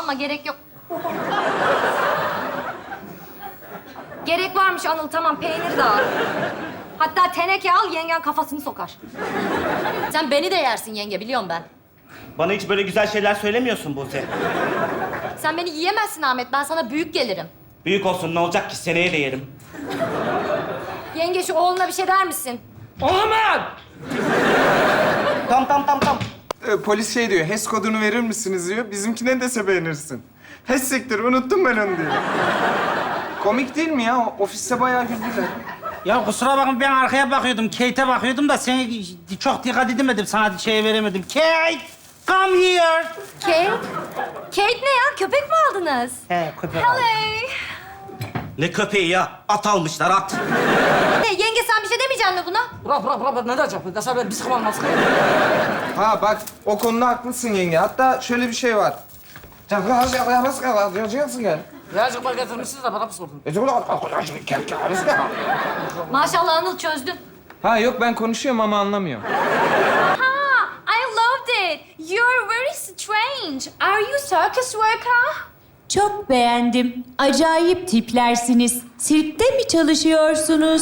alma, gerek yok. Gerek varmış Anıl, tamam peynir de al. Hatta teneke al, yengen kafasını sokar. Sen beni de yersin yenge, biliyorum ben. Bana hiç böyle güzel şeyler söylemiyorsun Buse. Sen beni yiyemezsin Ahmet, ben sana büyük gelirim. Büyük olsun ne olacak ki, seneye de yerim. Yenge şu oğluna bir şey der misin? Ahmet! Tam. Polis şey diyor, HES kodunu verir misiniz diyor. Bizimkine de beğenirsin. HES siktir, unuttum ben onu diyor. Komik değil mi ya? Ofiste bayağı güldüler. Ya kusura bakma ben arkaya bakıyordum, Kate'e bakıyordum da seni çok dikkat edemedim, sana şeye veremedim. Kate, come here. Kate? Kate ne ya? Köpek mi aldınız? He, köpek Hello. aldım. Ne köpeği ya? At almışlar, at. Ne, yenge sen bir şey demeyeceksin mi buna? Bırak, ne diyeceğim? Desem ben bir sıkmam nasıl? Ha bak, o konuda haklısın yenge. Hatta şöyle bir şey var. Birazcık getirmişsiniz de bana mı sordun? Maşallah Anıl çözdün. Ha yok, ben konuşuyorum ama anlamıyorum. Ha, I loved it. You're very strange. Are you circus worker? Çok beğendim. Acayip tiplersiniz. Sirkte mi çalışıyorsunuz?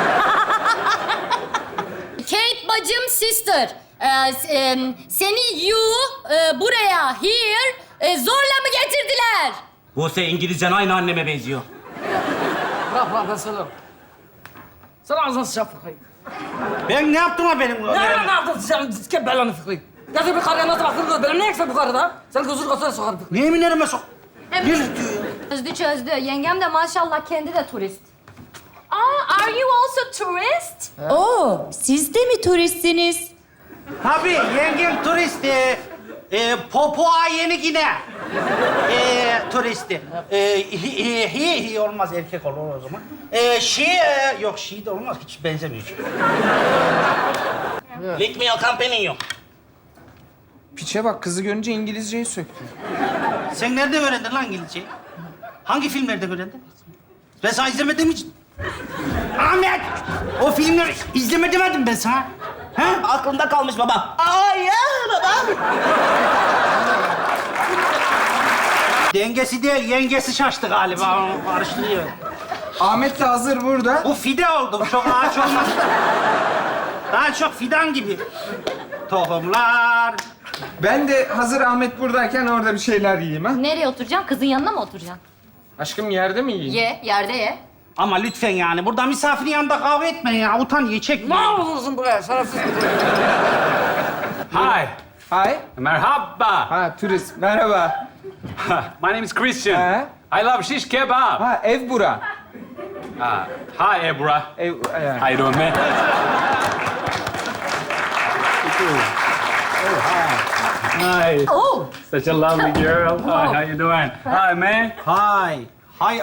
Kate bacım sister. Seni buraya here zorla mı getirdiler? Buse İngilizcen aynı anneme benziyor. Bırak ben söylerim. Sen ağzına sıçan fıkrayı. Ben ne yaptım ha benim? Ne yaptın sen? Ke belanı fıkrayı. Getir bir karıya nasıl baktın? Benim ne eksik bu karıda? Sen gözünü kasına sokarım fıkrayı. Niye minlerime sok? Çözdü. Yengem de maşallah kendi de turist. Aa, are you also tourist? Oo, siz de mi turistsiniz? Tabii, yengem turist. Papua Yeni Gine. Turisti. He olmaz, erkek olur o zaman. Yok she de olmaz, hiç benzemiyor. Lick me company yok. Piçe bak, kızı görünce İngilizceyi söktü. Sen nerede öğrendin lan İngilizceyi? Hangi filmlerde öğrendin? Ben sana izlemedim hiç. Ahmet! O filmleri izleme demedim ben sana. Ha? Aklımda kalmış baba. Ay ya baba. Dengesi değil, yengesi şaştı galiba. Onu karıştırıyor. Ahmet de hazır burada. Bu fide oldu, çok ağaç olmaz. Daha çok fidan gibi. Tohumlar. Ben de hazır Ahmet buradayken orada bir şeyler yiyeyim ha. Nereye oturacaksın? Kızın yanına mı oturacaksın? Aşkım yerde mi yiyeyim? Ye, yerde ye. Ama lütfen yani, burada misafirin yanında kavga etmeyin ya. Utan, ye, çekme. Ne yapıyorsun buraya? Şerefsiz. Hi, Hay. merhaba. Ha turist, merhaba. My name is Christian. Ha? I love shish kebab. Ha ev bura. Hi, Ebra. Ev, How you doing, man? Hi. Oh. Such a lovely girl. Hi, how you doing? Hi, man. Hay. Hay.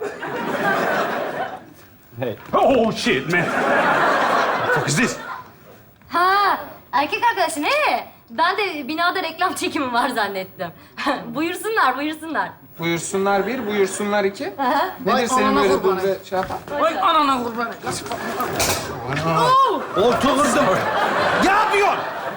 Hey. Oh, shit, man. What the fuck is this? Ha, erkek arkadaşın Ben de binada reklam çekimi var zannettim. Buyursunlar. Buyursunlar bir, buyursunlar iki. Aha. Nedir senin anana böyle kurban burada şey yapan? Vay anana kurban. Oturdum. Ne yapıyorsun?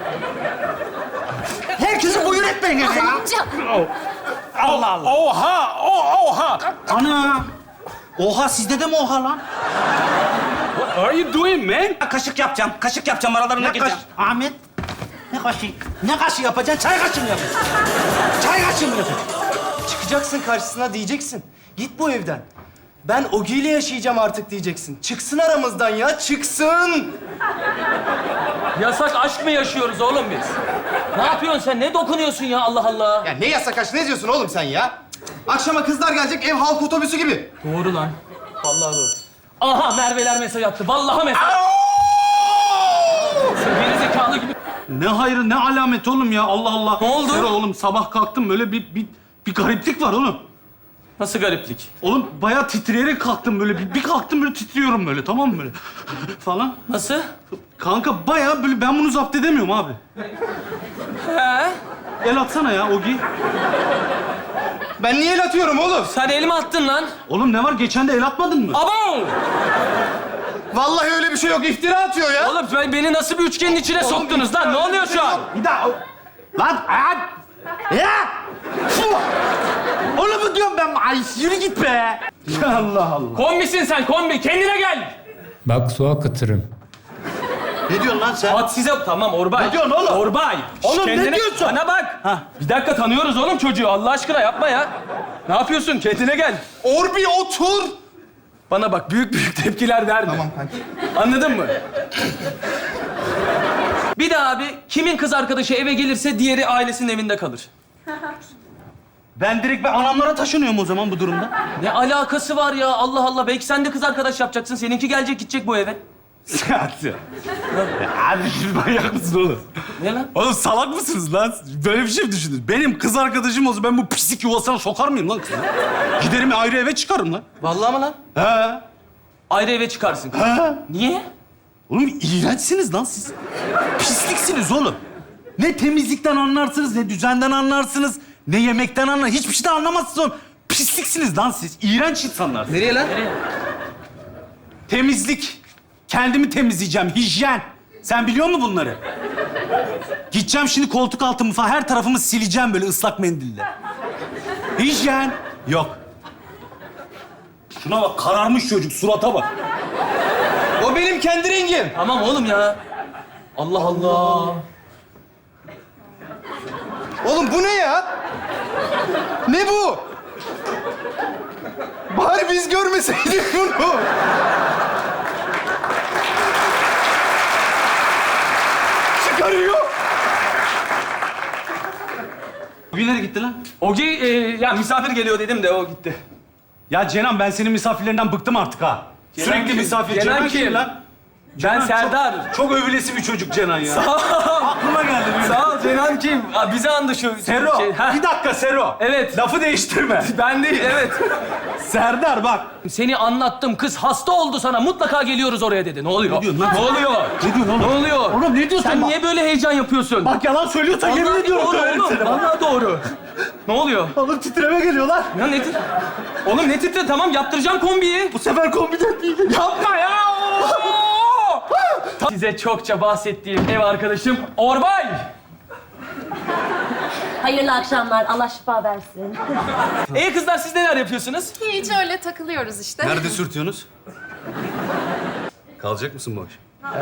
Herkesi buyur etmeyin ya. Amca. Allah Allah. Oha! Oha! Ana. Oha, sizde de mi oha lan? What are you doing, man? Kaşık yapacağım. Kaşık yapacağım, aralarına Ne kaş... gireceğim. Ahmet. Ne kaşığı? Ne kaşığı yapacaksın? Çay kaşığı mı yapacaksın? Çay kaşığı mı yapacaksın? Çıkacaksın karşısına diyeceksin. Git bu evden. Ben Ogi ile yaşayacağım artık diyeceksin. Çıksın aramızdan ya, çıksın. Yasak aşk mı yaşıyoruz oğlum biz? Ne yapıyorsun sen? Ne dokunuyorsun ya Allah Allah? Ya ne yasak aşk, ne diyorsun oğlum sen ya? Akşama kızlar gelecek, ev halk otobüsü gibi. Doğru lan. Vallahi doğru. Aha Merve'ler mesaj attı. Vallahi mesaj. Sen geri zekalı gibi. Ne hayrı, ne alamet oğlum ya, Allah Allah. Ne oldu? Sero oğlum, sabah kalktım böyle bir gariplik var oğlum. Nasıl gariplik? Oğlum bayağı titreyerek kalktım böyle, bir kalktım böyle titriyorum böyle, tamam mı böyle falan. Nasıl? Kanka bayağı böyle, ben bunu zapt edemiyorum abi. He? El atsana ya Ogi. Ben niye el atıyorum oğlum? Sen elime attın lan. Oğlum ne var, geçen de el atmadın mı? Abo! Vallahi öyle bir şey yok, iftira atıyor ya. Oğlum beni nasıl bir üçgenin içine soktunuz lan? Ne oluyor şu an? Bir daha. Lan! Ya! Onu mu diyorum ben? Ay yürü git be. Allah Allah. Kombisin sen, kombi. Kendine gel. Bak su akıtırım. Ne diyorsun lan sen? At size... Tamam Orbay. Ne diyorsun oğlum? Orbay. Oğlum ne diyorsun? Bana bak. Bir dakika tanıyoruz oğlum çocuğu. Allah aşkına yapma ya. Ne yapıyorsun? Kendine gel. Orbi otur. Bana bak, büyük tepkiler verme. Tamam kanki. Anladın mı? Bir de abi, kimin kız arkadaşı eve gelirse diğeri ailesinin evinde kalır. Ben direkt anamlara taşınıyorum o zaman bu durumda. Ne alakası var ya? Allah Allah. Belki sen de kız arkadaş yapacaksın. Seninki gelecek, gidecek bu eve. Abi siz manyak mısın oğlum? Ne lan? Oğlum salak mısınız lan? Böyle bir şey mi düşündünüz? Benim kız arkadaşım olsa ben bu pislik yuvasına sokar mıyım lan kızı? Giderim ayrı eve çıkarım lan. Vallahi mı lan? He. Ayrı eve çıkarsın. He. Niye? Oğlum iğrençsiniz lan siz. Pisliksiniz oğlum. Ne temizlikten anlarsınız, ne düzenden anlarsınız, ne yemekten anlarsınız. Hiçbir şeyden anlamazsınız oğlum. Pisliksiniz lan siz. İğrenç insanlar. Nereye lan? Nereye? Temizlik. Kendimi temizleyeceğim. Hijyen. Sen biliyor musun bunları? Gideceğim şimdi koltuk altımı falan her tarafımı sileceğim böyle ıslak mendille. Hijyen. Yok. Şuna bak kararmış çocuk surata bak. O benim kendi rengim. Tamam oğlum ya. Allah Allah. Oğlum bu ne ya? Ne bu? Bari biz görmeseydik bunu. Çıkarıyor. Bugün nereye gitti lan? Ogi, ya misafir geliyor dedim de o gitti. Ya Cenan ben senin misafirlerinden bıktım artık ha. Cenan Sürekli kim? misafir. Cenan kim? lan? Ben Cenan Serdar. Çok övülesi bir çocuk Cenan ya. Sağ ol. Aklıma geldi. Sağ ol Cenan kim? Aa, bize andı şu Sero. şey. Ha, Bir dakika Sero. Evet. Lafı değiştirme. ben değil, evet. Serdar bak. Seni anlattım, kız hasta oldu sana. Mutlaka geliyoruz oraya dedi. Ne oluyor? Ne diyorsun lan? Ne oluyor? Ne diyorsun oğlum? Ne oluyor? Oğlum ne diyorsun? Sen Bak- niye böyle heyecan yapıyorsun? Bak yalan söylüyorsan yemin Vallahi ediyorum doğru döverim oğlum. seni. Vallahi doğru. Ne oluyor? Oğlum titreme geliyorlar. Ya ne tit... Oğlum ne titre? Tamam yaptıracağım kombiyi. Bu sefer kombiden değil. Yapma ya! Size çokça bahsettiğim ev arkadaşım Orbay. Hayırlı akşamlar. Allah şifa versin. Kızlar siz neler yapıyorsunuz? Hiç öyle takılıyoruz işte. Nerede sürtüyorsunuz? Kalacak mısın bu akşam?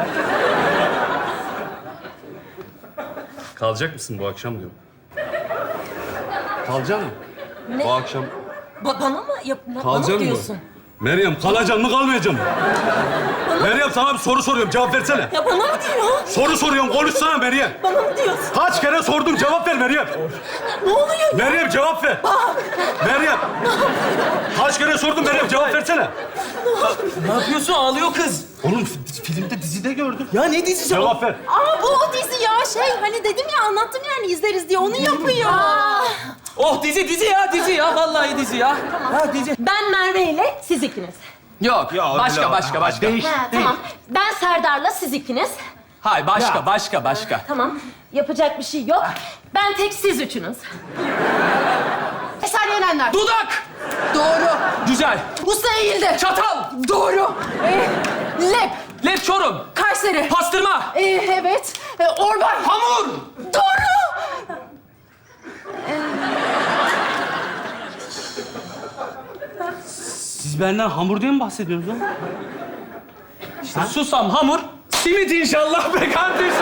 Kalacak mısın bu akşam diyorum. Kalacak mısın? Ne? Bu akşam Bana mı? Bana kalacak mı mı? diyorsun? Meryem kalacaksın mı kalmayacaksın mı? Meryem sana bir soru soruyorum cevap versene. Ya bana mı diyor? Soru soruyorum konuşsana Meryem. Bana mı diyorsun? Kaç kere sordum cevap ver Meryem. Ne oluyor? Meryem cevap ver. Meryem. Kaç kere sordum Meryem cevap versene. Ne yapıyorsun? Ağlıyor kız. Oğlum filmde dizide gördüm. Ya ne dizisi? Cevap ver. Aa bu o dizi ya hani dedim ya anlattım yani izleriz diye onu yapıyor. Oh dizi ya. Vallahi dizi ya. Ha dizi. Ben Merve ile siz ikiniz. Yok. Başka. Değiş. Tamam. Ben Serdar'la siz ikiniz. Hayır başka. Tamam. Yapacak bir şey yok. Ben tek siz üçünüz. Eser Yenenler. Dudak. Doğru. Güzel. Usta eğildi. Çatal. Doğru. Lep. Lep Çorum. Kayseri. Pastırma. Evet. Orbay. Hamur. Doğru. Siz benden hamur diye mi bahsediyorsunuz lan? Susam, hamur, simit inşallah be kardeşim.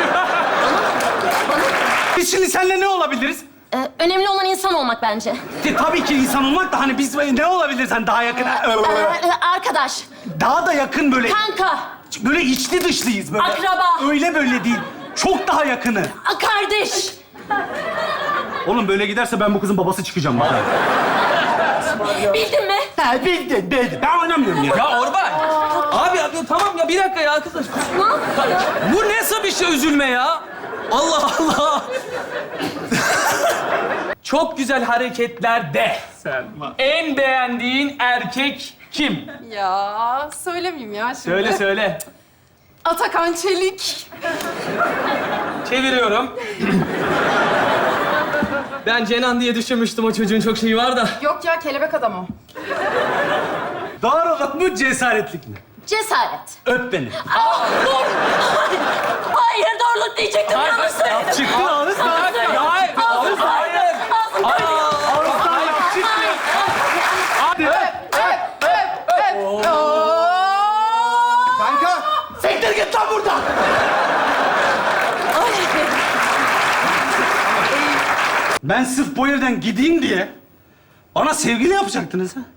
Biz şimdi seninle ne olabiliriz? Önemli olan insan olmak bence. Tabii ki insan olmak da hani biz ne olabiliriz hani daha yakın... Arkadaş, Daha da yakın böyle... kanka, Böyle içli dışlıyız böyle. Akraba. Öyle böyle değil. Çok daha yakını. kardeş. Oğlum böyle giderse ben bu kızın babası çıkacağım bak. Bildin mi? Ha bildin. Ben oynamıyorum ya. Ya Orbay. Abi tamam ya bir dakika ya arkadaş. Ne yaptın ya? Bu nasıl bir şey üzülme ya? Allah Allah. Çok güzel hareketlerde. En beğendiğin erkek kim? Ya söylemeyeyim ya şimdi. Söyle. Atakan Çelik. Çeviriyorum. Ben Cenan diye düşünmüştüm, o çocuğun çok şeyi var da. Yok ya kelebek adam o. Doğruluk mu cesaretlik mi? Cesaret. Öp beni. Dur. Hayır, doğruluk diyecektim. Yanlış söyledim. Çıktı ağız Hayır. Ağzım Hayır. Ağzım burada. Ben sırf bu evden gideyim diye bana sevgili yapacaktınız ha?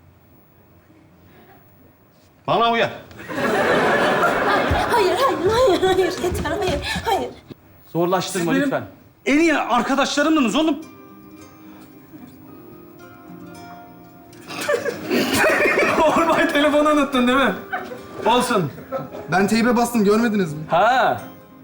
Bana uyar. Hayır. Yeter, hayır. Zorlaştırma Siz benim lütfen. en iyi arkadaşlarımdınız oğlum. Ormay telefonu unuttun değil mi? Olsun. Ben teybe bastım, görmediniz mi? Ha.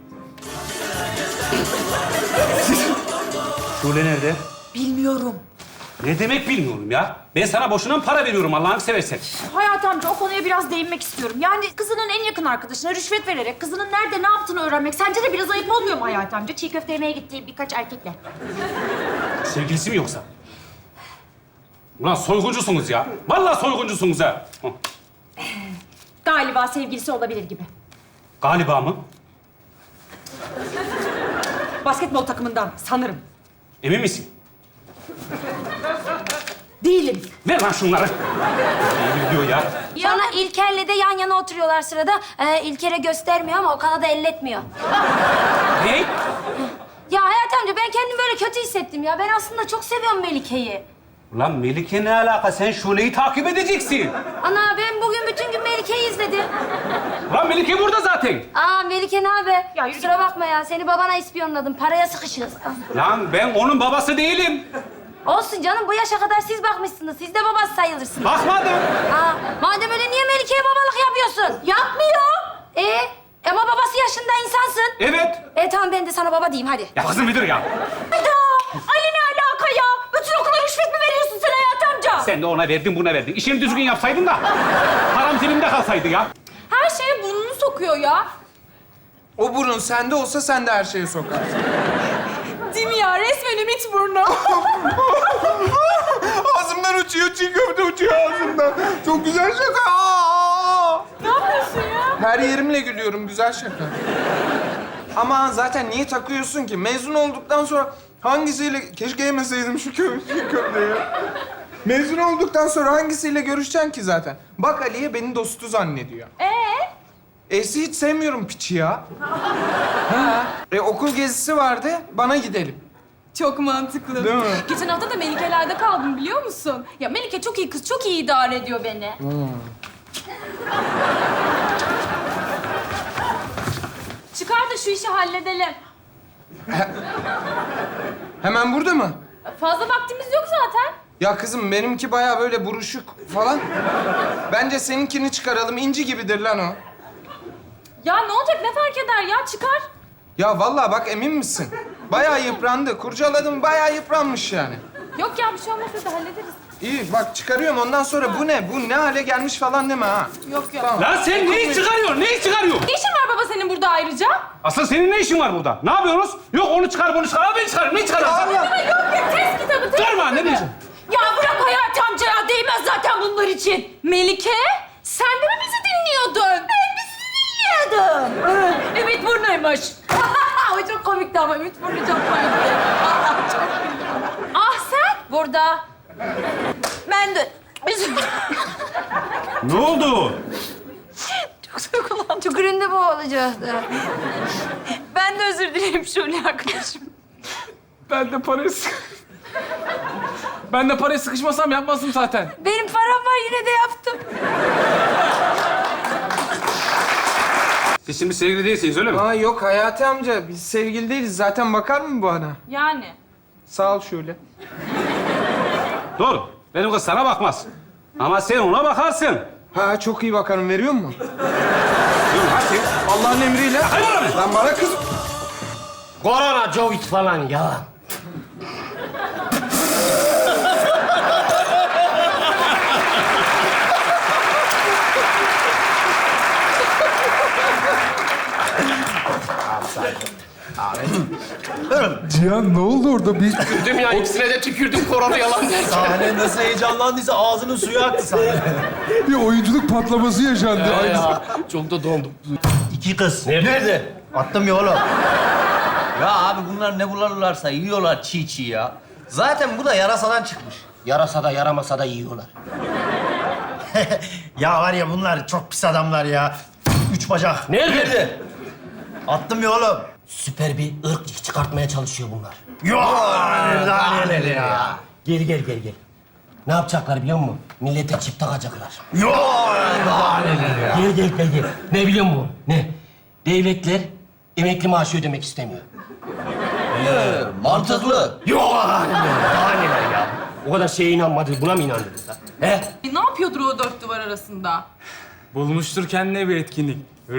Şule nerede? Bilmiyorum. Ne demek bilmiyorum ya? Ben sana boşuna mı para veriyorum Allah'ını seversen? Hayat amca, o konuya biraz değinmek istiyorum. Yani kızının en yakın arkadaşına rüşvet vererek kızının nerede ne yaptığını öğrenmek sence de biraz ayıp olmuyor mu Hayat amca? Çiğ köfte yemeye gittiği birkaç erkekle. Sevgilisi mi yoksa? Ulan soyguncusunuz ya. Vallahi soyguncusunuz ha. Hı. Galiba sevgilisi olabilir gibi. Galiba mı? Basketbol takımından sanırım. Emin misin? Değilim. Ver lan şunları. Ne diyor ya? Sonra İlker'le de yan yana oturuyorlar sırada. İlker'e göstermiyor ama Okan'a da elletmiyor. Ne? Ya Hayat amca ben kendimi böyle kötü hissettim ya. Ben aslında çok seviyorum Melike'yi. Ulan Melike ne alaka? Sen Şule'yi takip edeceksin. Ana ben bugün bütün gün Melike'yi izledim. Ulan Melike burada zaten. Aa Melike ne haber? Ya yürü Kusura bakma ya. Seni babana ispiyonladım. Paraya sıkışırız. Lan ben onun babası değilim. Olsun canım. Bu yaşa kadar siz bakmışsınız. Siz de babası sayılırsınız. Bakmadım. Aa, madem öyle niye Melike'ye babalık yapıyorsun? Yapmıyor. Ama babası yaşında insansın. Evet. Tamam ben de sana baba diyeyim hadi. Ya kızım bir dur ya. Hayda! Ali ne alaka ya? Bütün okula rüşvet mi veriyorsun sen Hayat amca? Sen de ona verdin, buna verdin. İşini düzgün yapsaydın da param cebimde kalsaydı ya. Her şeye burnunu sokuyor ya. O burun sende olsa sen de her şeye sokarsın. Değil mi ya? Resmen Ümit burnu. Ağzımdan uçuyor, çiğ köfte uçuyor ağzımdan. Çok güzel şaka. Aa! Ne yapıyorsun ya? Her yerimle gülüyorum, güzel şaka. Ama zaten niye takıyorsun ki? Mezun olduktan sonra hangisiyle... Keşke yemeseydim şu köfteyi. Mezun olduktan sonra hangisiyle görüşeceksin ki zaten? Bak Ali'ye beni dostu zannediyor. Esi hiç sevmiyorum piçi ya. Ha. Okul gezisi vardı, bana gidelim. Çok mantıklı. Değil mi? Geçen hafta da Melike'lerde kaldım biliyor musun? Ya Melike çok iyi kız, çok iyi idare ediyor beni. Çıkar da şu işi halledelim. Hemen burada mı? Fazla vaktimiz yok zaten. Ya kızım benimki bayağı böyle buruşuk falan. Bence seninkini çıkaralım. İnci gibidir lan o. Ya ne olacak, ne fark eder ya? Çıkar. Ya vallahi bak emin misin? Bayağı yıprandı. Kurcaladım bayağı yıpranmış yani. Yok ya, bir şey olmaz, biz de hallederiz. İyi bak çıkarıyorum ondan sonra bu ne? Bu ne hale gelmiş falan deme ha. Yok. Tamam. Lan sen neyi çıkarıyorsun? Neyi çıkarıyorsun? Ne işin var baba senin burada ayrıca? Asıl senin ne işin var burada? Ne yapıyorsunuz? Yok onu çıkar, bunu çıkar. Al ben çıkarım. Ne çıkarıyorsun? Yok ya, test kitabı, test Durma, ne diyorsun? Ya bırak Hayat amca ya, değmez zaten bunlar için. Melike, sen de mi bizi dinliyordun? Ben bizi dinliyordum. Ümit burnuymuş. O çok komikti ama Ümit burnu çok komikti. Allah çok Ah sen? Burada. Ben de. Ne oldu? Tüküründe bu olacaktı. Ben de özür dilerim Şule arkadaşım. Ben de paraya sıkışmasam yapmazdım zaten. Benim param var yine de yaptım. Siz şimdi sevgili değilsiniz öyle mi? Aa yok Hayati amca biz sevgili değiliz. Zaten bakar mı bu bana? Yani. Sağ ol şöyle. Doğru. Benim kız sana bakmaz. Ama sen ona bakarsın. Ha çok iyi bakarım. Veriyor mu? Dur hadi. Allah'ın emriyle. Hayır oğlum. Lan bana kız... Korona, Covid falan ya. Cihan ne oldu orada? Bir Tükürdüm ya, ikisine de tükürdüm, korona yalan derken. Sahne nasıl heyecanlandıysa ağzının suyu aktı sahne. bir oyunculuk patlaması yaşandı. Aynısı. Çok da dondum. İki kız. Nerede? Attım ya oğlum. Ya abi bunlar ne bularlarsa yiyorlar çiğ çiğ ya. Zaten bu da yarasadan çıkmış. Yarasa da yaramasa da yiyorlar. Ya var ya bunlar çok pis adamlar ya. Üç bacak. Nerede? Attım ya oğlum. Süper bir ırk çıkartmaya çalışıyor bunlar. Yok. Daha neler ya. Gel. Ne yapacaklar biliyor musun? Millete çip takacaklar. Yok. Daha neler ya. Gel. Ne biliyor musun? Ne? Devletler emekli maaşı ödemek istemiyor. Mantıklı. Yok. Daha neler ya? O kadar şeye inanmadınız, buna mı inandınız lan? He? Ne yapıyordur o dört duvar arasında? Bulmuştur kendine bir etkinlik. O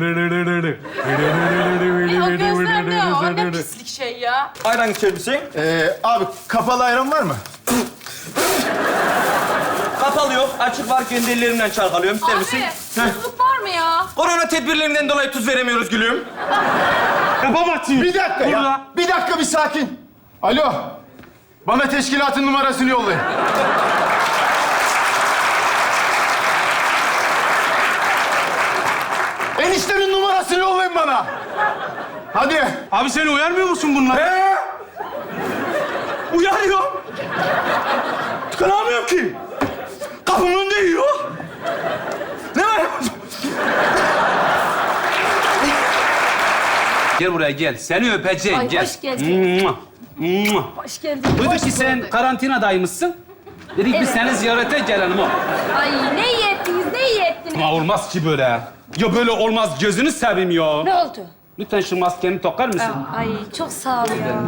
gözler ne o? Ne pislik şey ya. Ayran içer misin? Abi kapalı ayran var mı? Kapalı yok, açık var. Kendi ellerimden çalkalıyorum. İster misin? Abi, tuzluk var mı ya? Korona tedbirlerinden dolayı tuz veremiyoruz gülüm. Bir dakika ya. Bir dakika bir sakin. Alo. Bana teşkilatın numarasını yollayın. Eniştemin numarasını yollayın bana. Hadi. Abi seni uyarmıyor musun bunlar? Uyarıyorum. Tıkanamıyorum ki. Kapımın önünde yiyor. Ne var? Gel buraya gel. Seni öpeceğim. Ay, gel. hoş geldin. Mua, mua. Hoş geldin. Duyduk ki sen karantinadaymışsın. Dedik biz Evet. seni ziyarete gelelim o. Ay ne iyi ettiniz, ne iyi ettiniz. Ama olmaz ki böyle. Ya böyle olmaz. Gözünü seveyim ya. Ne oldu? Lütfen şu maskeni takar mısın? Ay çok sağ ol ya.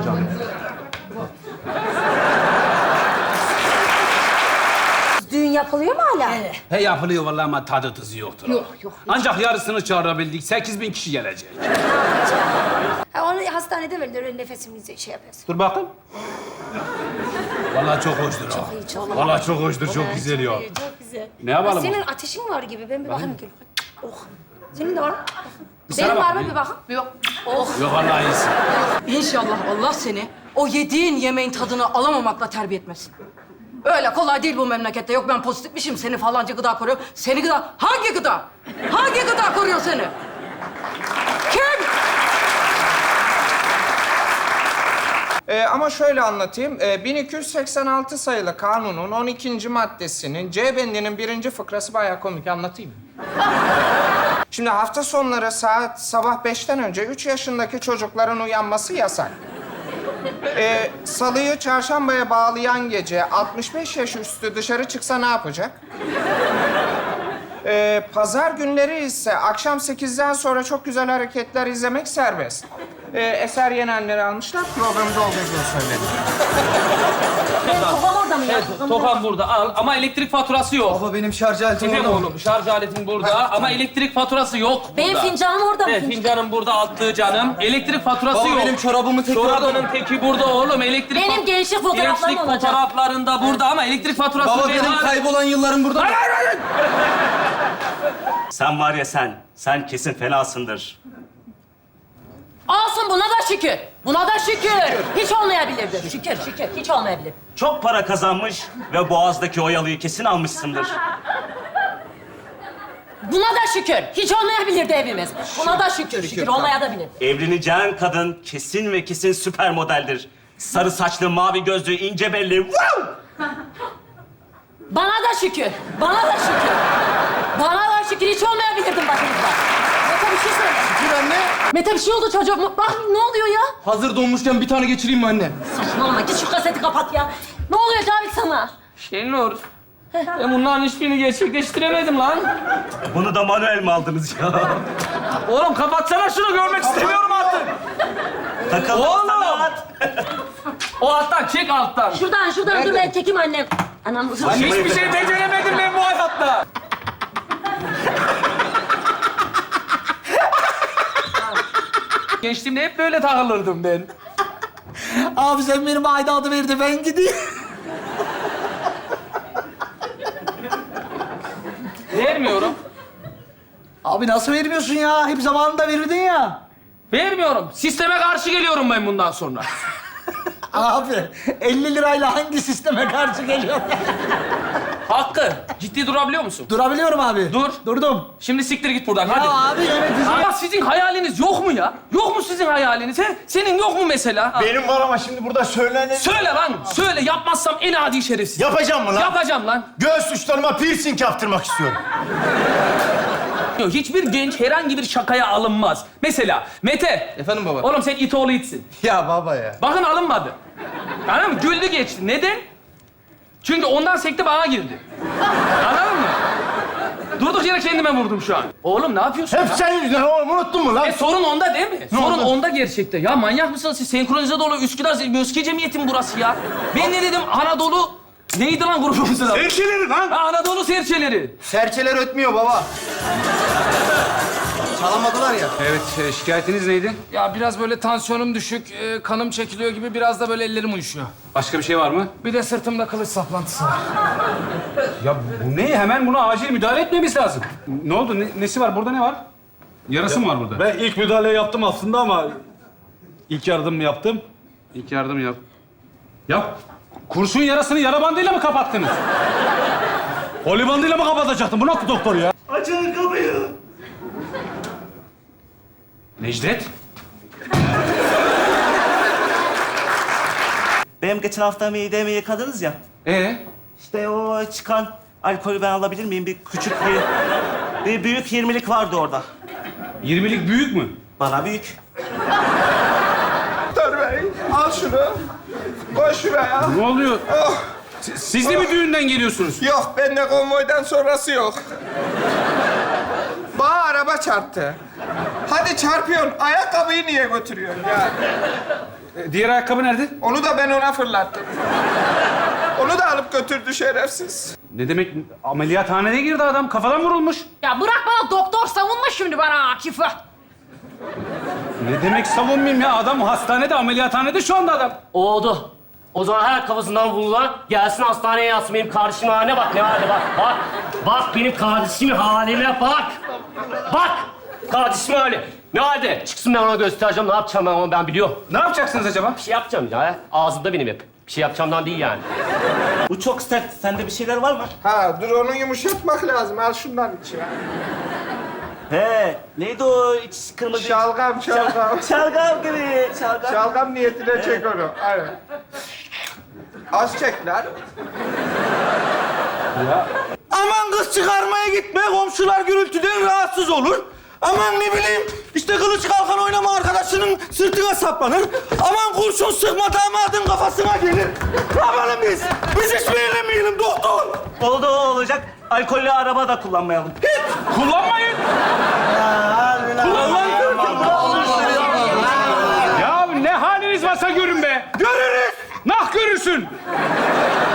Düğün yapılıyor mu hala? Evet. He yapılıyor vallahi ama tadı tuzu yoktur. Yok. Ancak yarısını çağırabildik. 8.000 kişi gelecek. Ha, onu hastanede verirler, öyle nefesimizi şey yapıyoruz. Dur bakayım. Vallahi çok hoştur ha. İyi, çok. Vallahi çok hoştur, çok güzel ya. Çok güzel. Ne yapalım? Senin ateşin var gibi. Ben bir bakayım. Oh. Senin de var mı? sana Benim var mı bakayım. bir bakın? Yok. Oh. Yok vallahi iyisin. İnşallah Allah seni o yediğin yemeğin tadını alamamakla terbiye etmesin. Öyle kolay değil bu memlekette. Yok ben pozitifmişim, seni falanca gıda koruyor. Seni gıda... Hangi gıda? Hangi gıda koruyor seni? Kim? Ama şöyle anlatayım. 1286 sayılı kanunun 12. maddesinin C bendinin 1. fıkrası bayağı komik. Anlatayım mı? Şimdi hafta sonları sabah 5'ten önce 3 yaşındaki çocukların uyanması yasak. Salıyı çarşambaya bağlayan gece 65 yaş üstü dışarı çıksa ne yapacak? Pazar günleri ise akşam 8'den sonra çok güzel hareketler izlemek serbest. Eser Yenenleri almışlar, programda olduğunu söyledi. Tokam orada mı ya? Tokam burada al ama elektrik faturası yok. Baba benim şarj aletim Efendim oğlum şarj aletin burada ama elektrik faturası yok burada. Benim fincanım orada mı? Evet fincanım burada attığı canım. Elektrik faturası Baba yok. benim çorabımın teki Çorabının teki burada oğlum. Elektrik Benim gençlik fotoğraflarım gençlik olacak. fotoğraflarında burada ama elektrik faturası Baba değil. benim kaybolan yıllarım burada. Sen var ya sen kesin fenasındır. Olsun buna da şükür. Buna da şükür. Hiç olmayabilirdi. Şükür, hiç olmayabilir. Çok para kazanmış ve Boğaz'daki o yalıyı kesin almışsındır. Buna da şükür. Hiç olmayabilirdi evimiz. Buna da şükür olmayabilir. Evleneceğin kadın kesin ve kesin süper modeldir. Sarı saçlı, mavi gözlü, ince belli. Wow! Bana da şükür. Bana da şükür. Hiç olmayabilirdim başınızda. Mete bir şey söyle. Şükür anne. Mete bir şey oldu çocuğum. Bak ne oluyor ya? Hazır donmuşken bir tane geçireyim mi anne? Saçmalama. Git şu kaseti kapat ya. Ne oluyor Cavit sana? Şenur, ben bunların hiçbirini gerçekleştiremedim lan. Bunu da manuel mi aldınız ya? Oğlum kapatsana şunu, görmek istemiyorum artık. Takıldım sana. O alttan, çek alttan. Şuradan dur ben çekeyim annem. Anam dur. Hiçbir şey beceremedim ben bu hayatta. Gençliğimde hep böyle takılırdım ben. Abi sen benim aidatı ver de ben gideyim. Vermiyorum. Abi nasıl vermiyorsun ya? Hep zamanında verirdin ya. Vermiyorum. Sisteme karşı geliyorum ben bundan sonra. Abi 50 lirayla hangi sisteme karşı geliyor? Hakkı, ciddi durabiliyor musun? Durabiliyorum abi. Dur. Durdum. Şimdi siktir git buradan, hadi. Ya abi yönetici. Ama sizin hayaliniz yok mu ya? Yok mu sizin hayaliniz? He? Senin yok mu mesela? Benim var ama şimdi burada söylenir. Söyle lan, söyle. Yapmazsam en adi şerefsiz. Yapacağım mı lan? Yapacağım lan. Göğüs uçlarıma piercing yaptırmak istiyorum. Hiçbir genç herhangi bir şakaya alınmaz. Mesela Mete. Efendim baba? Oğlum sen it oğlu itsin. Ya baba ya. Bakın alınmadı. Anladın mı? Güldü geçti. Neden? Çünkü ondan sekti bana girdi. Anladın mı? Durduk yere kendime vurdum şu an. Oğlum ne yapıyorsun Hep ya? senin yüzünden oğlum, unuttun mu lan? Sorun onda değil mi? Sorun oldu? onda gerçekten. Ya manyak mısınız siz? Senkronize dolu Üsküdar Möske Cemiyeti mi burası ya? Ben ne dedim? Anadolu... Neydi lan grubumuzun adı? Serçeleri lan. Ha, Anadolu Serçeleri. Serçeler ötmüyor baba. Çalamadılar ya. Evet, şikayetiniz neydi? Ya biraz böyle tansiyonum düşük, kanım çekiliyor gibi biraz da böyle ellerim uyuşuyor. Başka bir şey var mı? Bir de sırtımda kılıç saplantısı var. Ya bu ne? Hemen buna acil müdahale etmemiz lazım. Ne oldu? Nesi var? Burada ne var? Yarası mı var burada? Ben ilk müdahaleyi yaptım aslında ama ilk yardım yaptım. İlk yardım yap. Ya kurşun yarasını yara bandıyla mı kapattınız? Poli bandıyla mı kapatacaktın? Bu nasıl doktor ya? Açın kapıyı. Necdet? Benim geçen hafta midemi yıkadınız ya. İşte o çıkan alkolü ben alabilir miyim? Bir küçük bir büyük 20'lik vardı orada. 20'lik büyük mü? Bana büyük. Doktor bey, al şunu. Koy şuraya. Ne oluyor? Oh. Siz de mi düğünden geliyorsunuz? Yok, bende konvoydan sonrası yok. Bana araba çarptı. Hadi çarpıyorsun, ayakkabıyı niye götürüyorsun ya? Diğer ayakkabı nerede? Onu da ben ona fırlattım. Onu da alıp götürdü şerefsiz. Ne demek? Ameliyathanede girdi adam. Kafadan vurulmuş. Ya bırak bana doktor savunma şimdi bana Akif'i. Ne demek savunmayayım ya? Adam hastanede, ameliyathanede şu anda adam. Oldu. O zaman her kafasından vurulan gelsin hastaneye yatsın. Benim kardeşimin haline bak. Ne halde bak. Bak. Bak benim kardeşimin haline bak. Bak. Kardeşimin hali. Ne halde? Çıksın ben ona göstereceğim. Ne yapacağım ben onu ben biliyorum. Ne yapacaksınız acaba? Bir şey yapacağım ya. Ağzımda benim hep. Bir şey yapacağımdan değil yani. Bu çok sert. Sende bir şeyler var mı? Ha, dur onu yumuşatmak lazım. Al şundan iç ya. He, neydi o iç kırmızı? Şalgam. Şalgam gibi. Şalgam. Şalgam niyetine çek onu. Aynen. Az çek lan. Aman kız çıkarmaya gitme. Komşular gürültüden rahatsız olur. Aman ne bileyim işte kılıç kalkan oynama arkadaşının sırtına saplanır. Aman kurşun sıkma damadın kafasına gelir. Ne yapalım biz? Biz hiç mi eğlenmeyelim doktor? Oldu o olacak. Alkollü araba da kullanmayalım. Kullanmayın. Kullanmayın. Ya ne haliniz varsa görün be. Görürüz. Nah görürsün.